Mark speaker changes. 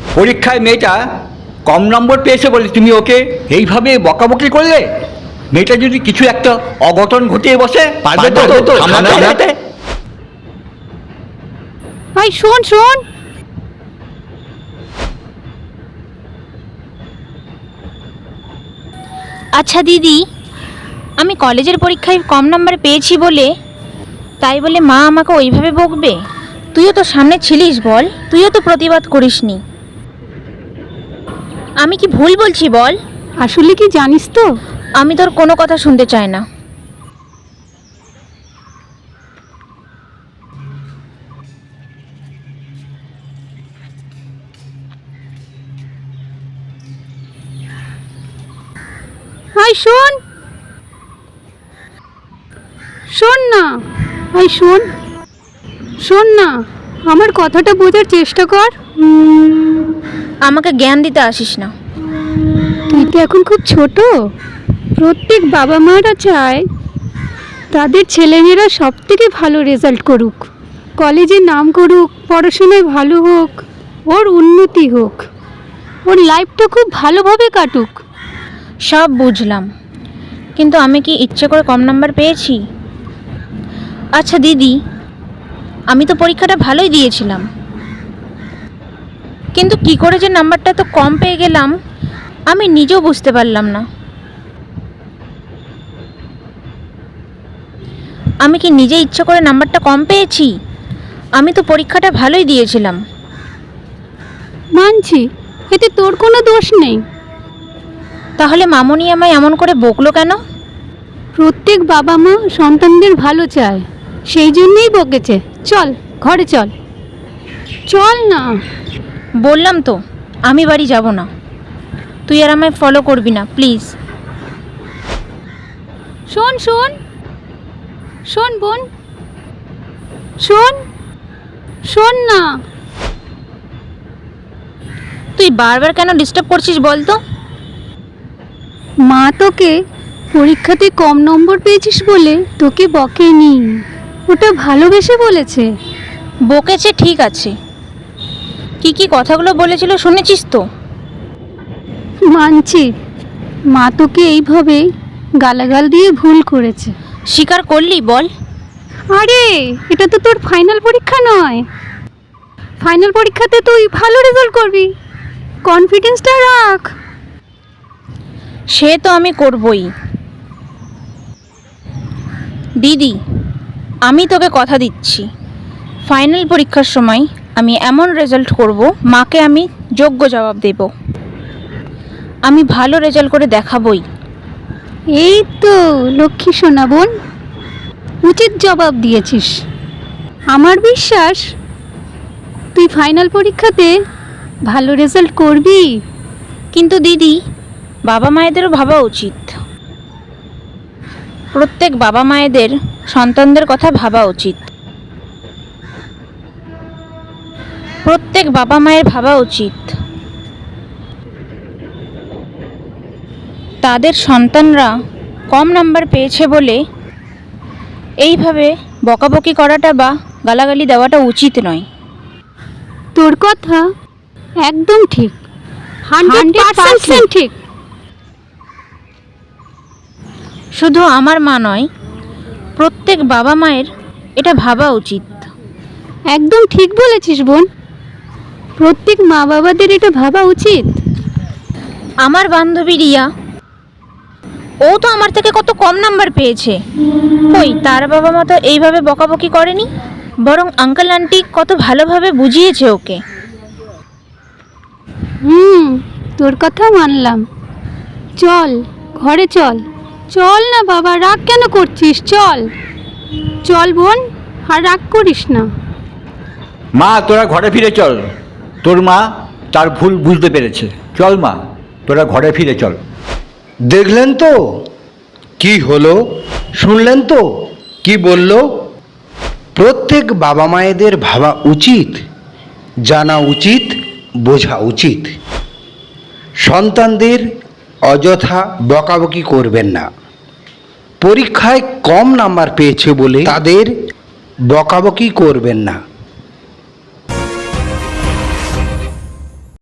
Speaker 1: পরীক্ষায় মেয়েটা কম নম্বর পেয়েছে বলে তুমি ওকে এইভাবে বকাবকি করলে? মেয়েটা যদি কিছু একটা অঘটন ঘটিয়ে বসে, পারবে তো সামলাতে?
Speaker 2: ভাই শোন শোন,
Speaker 3: আচ্ছা দিদি, আমি কলেজের পরীক্ষায় কম নাম্বার পেয়েছি বলে তাই বলে মা আমাকে ওইভাবে বকবে? তুইও তো সামনে ছিলিস, বল, তুইও তো প্রতিবাদ করিসনি। আমি কি ভুল বলছি বল?
Speaker 2: আসলে কি জানিস তো,
Speaker 3: আমি তোর কোনো কথা শুনতে চাই না।
Speaker 2: ভাই শোন শোন না, ভাই শোন শোন না, আমার কথাটা বোঝার চেষ্টা কর।
Speaker 3: আমাকে জ্ঞান দিতে আসিস না।
Speaker 2: তুই তো এখন খুব ছোট। প্রত্যেক বাবা মারা চায় তাদের ছেলেমেয়েরা সব থেকে ভালো রেজাল্ট করুক, কলেজে নাম করুক, পড়াশোনায় ভালো হোক, ওর উন্নতি হোক, ওর লাইফটা খুব ভালোভাবে কাটুক।
Speaker 3: সব বুঝলাম, কিন্তু আমি কি ইচ্ছে করে কম নাম্বার পেয়েছি? আচ্ছা দিদি, আমি তো পরীক্ষাটা ভালোই দিয়েছিলাম, কিন্তু কি করে যে নাম্বারটা তো কম পেয়ে গেলাম আমি নিজেও বুঝতে পারলাম না। আমি কি নিজে ইচ্ছে করে নাম্বারটা কম পেয়েছি? আমি তো পরীক্ষাটা ভালোই দিয়েছিলাম।
Speaker 2: মানছি, এতে তোর কোনো দোষ নেই।
Speaker 3: তাহলে মামনি আমায় এমন করে বকলো কেন?
Speaker 2: প্রত্যেক বাবা মা সন্তানদের ভালো চায়, সেই জন্যই বকেছে। চল ঘরে চল, চল না।
Speaker 3: বললাম তো আমি বাড়ি যাব না, তুই আর আমায় ফলো করবি না প্লিজ।
Speaker 2: শোন শোন শোন বোন, শোন শোন না।
Speaker 3: তুই বারবার কেন ডিস্টার্ব করছিস বল তো?
Speaker 2: মা তোকে পরীক্ষাতে কম নম্বর পেয়েছিস বলে তোকে বকেনি, ওটা ভালোবেসে বলেছে।
Speaker 3: বকেছে ঠিক আছে, কি কি কথাগুলো বলেছিল শুনেছিস তো?
Speaker 2: মানছি, মা তোকে এইভাবে গালাগাল দিয়ে ভুল করেছে।
Speaker 3: স্বীকার করলি বল?
Speaker 2: আরে এটা তো তোর ফাইনাল পরীক্ষা নয়, ফাইনাল পরীক্ষাতে তুই ভালো রেজাল্ট করবি, কনফিডেন্সটা রাখ।
Speaker 3: সে তো আমি করবই। দিদি, আমি তোকে কথা দিচ্ছি, ফাইনাল পরীক্ষার সময় আমি এমন রেজাল্ট করব মাকে আমি যোগ্য জবাব দেব। আমি ভালো রেজাল্ট করে দেখাবই।
Speaker 2: এই তো লক্ষ্মী সোনা বোন, উচিত জবাব দিয়েছিস। আমার বিশ্বাস তুই ফাইনাল পরীক্ষাতে ভালো রেজাল্ট করবি।
Speaker 3: কিন্তু দিদি, বাবা মায়েদেরও ভাবা উচিত। প্রত্যেক বাবা মায়েদের সন্তানদের কথা ভাবা উচিত। প্রত্যেক বাবা মায়ের ভাবা উচিত তাদের সন্তানরা কম নাম্বার পেয়েছে বলে এইভাবে বকাবকি করাটা বা গালাগালি দেওয়াটা উচিত নয়।
Speaker 2: তোর কথা একদম ঠিক, 100% ঠিক।
Speaker 3: শুধু আমার মা নয়, প্রত্যেক বাবা মায়ের এটা ভাবা উচিত।
Speaker 2: একদম ঠিক বলেছিস বোন, প্রত্যেক মা বাবাদের এটা ভাবা উচিত।
Speaker 3: আমার বান্ধবী রিয়া, ও তো আমার থেকে কত কম নাম্বার পেয়েছে, কই তার বাবা মা তো এইভাবে বকাবকি করেনি, বরং আঙ্কেল আন্টি কত ভালোভাবে বুঝিয়েছে ওকে।
Speaker 2: তোর কথা মানলাম। চল ঘরে চল, চল না বাবা, রাগ কেন করছিস? চল চল বোন, আর রাগ করিস না।
Speaker 1: মা তোরা ঘরে ফিরে চল, তোর মা তার ভুল বুঝতে পেরেছে। চল মা, তোরা ঘরে ফিরে চল।
Speaker 4: দেখলেন তো কি হলো, শুনলেন তো কি বলল? প্রত্যেক বাবা মায়েদের ভাবা উচিত, জানা উচিত, বোঝা উচিত। সন্তানদের অযথা বকাবকি করবেন না। পরীক্ষায় কম নাম্বার পেয়েছে বলে তাদের বকাবকি করবেন না।